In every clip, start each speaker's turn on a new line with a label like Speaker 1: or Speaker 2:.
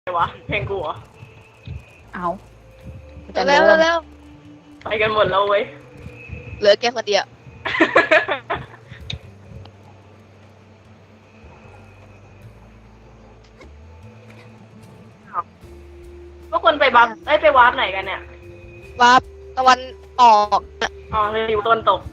Speaker 1: วะเพลงกูเหรอ
Speaker 2: เอา
Speaker 3: เร็วเร็ว
Speaker 1: ไปกันหมดแล้วเว้ย
Speaker 3: เหลือแกคนเดียว
Speaker 1: พวกคนไปบัฟไปวาร์ปไหนกันเนี่ย
Speaker 3: วาร์ปตะวันออก
Speaker 1: อ๋อเลยอยู่ต้นตก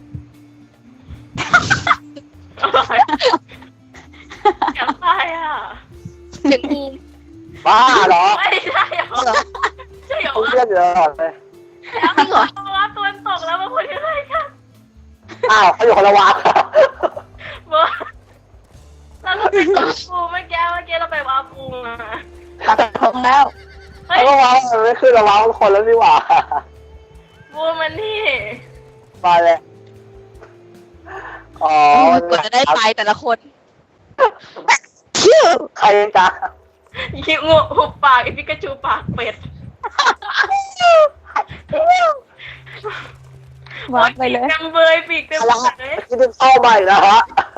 Speaker 1: อยากตายอ่ะ
Speaker 3: เสียงกู
Speaker 4: บ้าเหรอ
Speaker 1: ไม่ใช่เหรอใช่เหรอ
Speaker 4: กูเลือดเยอะเลย
Speaker 1: แล้วเหรอวาร์ปต้นตกแล้วมาพูดยังไงกัน
Speaker 4: อ้าวเขาอยู่คนละวา
Speaker 1: เมื่อเราก็ไปวาร์ปปูเมื่อกี้เราไปวาร์ปปูมา
Speaker 2: ตัดทงแล้ว
Speaker 1: เฮ้ย
Speaker 4: เขาก็วามันไม่ขึ้นละวาทุกคนแล้วนี่หว่า
Speaker 1: ปูมันนี่
Speaker 4: มาเลยอ๋อ
Speaker 3: กว่าจะได้ไปแต่ละคน
Speaker 4: ใครจ๊ะ
Speaker 1: ยิงงูหุบปากไอพิกาจูปากเป็ด
Speaker 2: วาดไปเลย
Speaker 1: ปีกเต็มเบยปีกเต็มหมดเลย
Speaker 4: ที่เป็นเข้าใหม่นะฮะ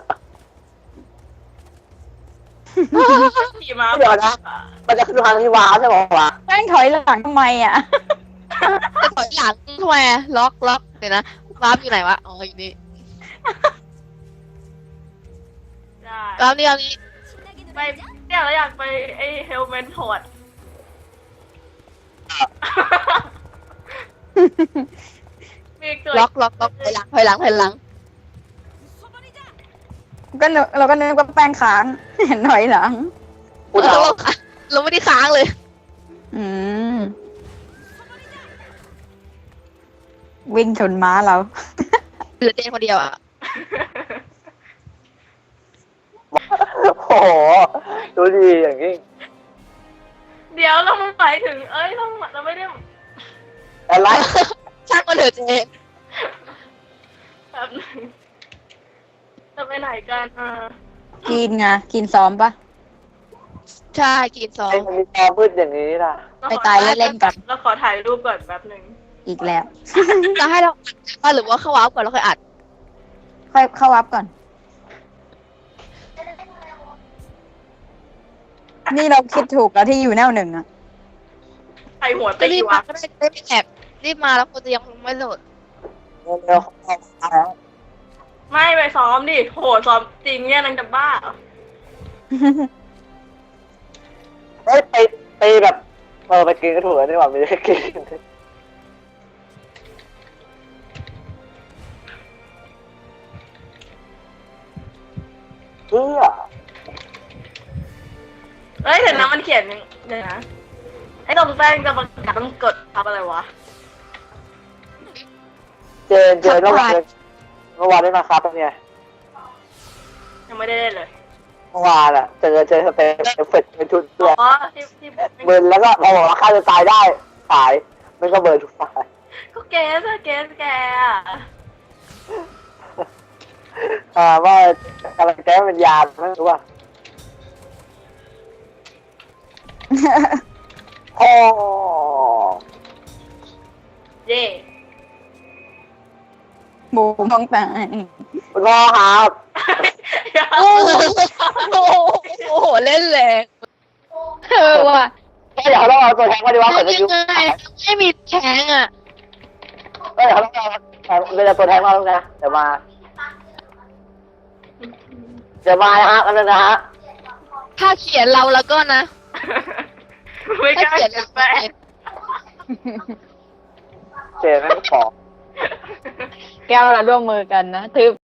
Speaker 1: ขี่ม้า
Speaker 4: เดี๋ยวนะมันจะขึ้นทางที่วาใช่ไหมวะ
Speaker 2: แม่งถอยหลังทำไมอ่ะ
Speaker 3: จะถอยหลังทำไมอะล็อกเดี๋ยวนะวาร์ปอยู่ไหนวะอ๋ออยู่นี่
Speaker 1: ได้
Speaker 3: วาร์ปนี่เอานี้
Speaker 1: ไปเนี่ยเราอยากไปไอเฮลเมนพอร์ตปีกตัว
Speaker 3: ล็อกถอยหลัง
Speaker 2: เราก็นึกว่าแป้งค้าง เห็นถอยหลัง
Speaker 4: กูถาม
Speaker 3: เราไม่ได้ค้างเลย
Speaker 2: อืม วิ่งชนม้าเรา
Speaker 3: เหลือเจนคนเดียวอ่ะ
Speaker 4: โอ้โหดูดีอย่างนี้
Speaker 1: เดี๋ยวเราหมายถึงเราไม่ได้
Speaker 4: อะไร
Speaker 3: ช่างมันเถอะเจน
Speaker 1: แบบนึงจะไปไหนกัน
Speaker 2: กินไงกินซ้อมปะ
Speaker 3: ใช่กินซอ
Speaker 4: ไอ้
Speaker 3: ง
Speaker 4: มันมีตอมืดอย่างนี้นะ
Speaker 2: ไปตายเล่นๆกัน
Speaker 1: เราขอถ่ายรูปก่อนแป๊บหนึ่ง
Speaker 2: อีกแล้ว
Speaker 3: จะให้เราอัดหรือว่าเข้าวาร์ปก่อนเราค่อยอัด
Speaker 2: ค่อยเข้าวับก่อน นี่เราคิดถูกแล้วที่อยู่แนวหนึ่งอะ
Speaker 1: ใส่หัว
Speaker 3: ก็
Speaker 1: ตี
Speaker 3: รีบ
Speaker 1: วะ
Speaker 3: มาก็ได้ไม่แอบรีบมาแล้วคนจะยังไม่โหลด
Speaker 4: เร็ว
Speaker 1: ไม่ไปซ้อมดิโหซ้อมจริงเนี่ยนางจะบ้า
Speaker 4: เฮ้ยไปแบบไปกินก็ถูกแล้วนี่หว่าไม่ได้กินเพื่อ
Speaker 1: เฮ้ยเห็นนะมันเขียนเดี๋ยวนะไอ้ตรงแป้งจะประกาศต้องกดทับอะไรวะ
Speaker 4: เจนเมื่อวานได้มาครับเนี่ย
Speaker 1: ยังไม่ได้เล่นเลย
Speaker 4: เมื่อวานอะเจอสเตปเอฟเฟกต์เป็นชุดด้วย
Speaker 1: อ๋อที่
Speaker 4: เบิร์นแล้วก็พอบอกว่าฆ่าจะตายได้ตายมันก็เบิร์นทุกฝ่าย
Speaker 1: ก็แกแกอะ
Speaker 4: ว่าอะไรแก้เป็นยาไม่รู้ว่าโอ้
Speaker 1: เย่
Speaker 2: หมูท้องแตก
Speaker 4: คุณพ่อครับ
Speaker 3: โอ้โหเล่นแรงว่ะ
Speaker 4: เดี๋ยวเราเอาตัวแทงมาดีกว่าเกิดจะ
Speaker 3: ยั
Speaker 4: ยุ่
Speaker 3: งไงไม่มีแทงอ่ะ
Speaker 4: เดี๋ยวเราเอาตัวแทงมาแล้วนะเดี๋ยวมานะฮะกันนะฮะ
Speaker 3: ถ้าเขียนเราแล้วก็นะ
Speaker 1: ไม่ก
Speaker 3: ถ้า
Speaker 1: ล้า
Speaker 3: เขียน
Speaker 1: เขีย
Speaker 3: เรา
Speaker 1: นแป้ง
Speaker 4: เจนแม่งขอ
Speaker 2: แก้วเราร่วมมือกันนะทึบ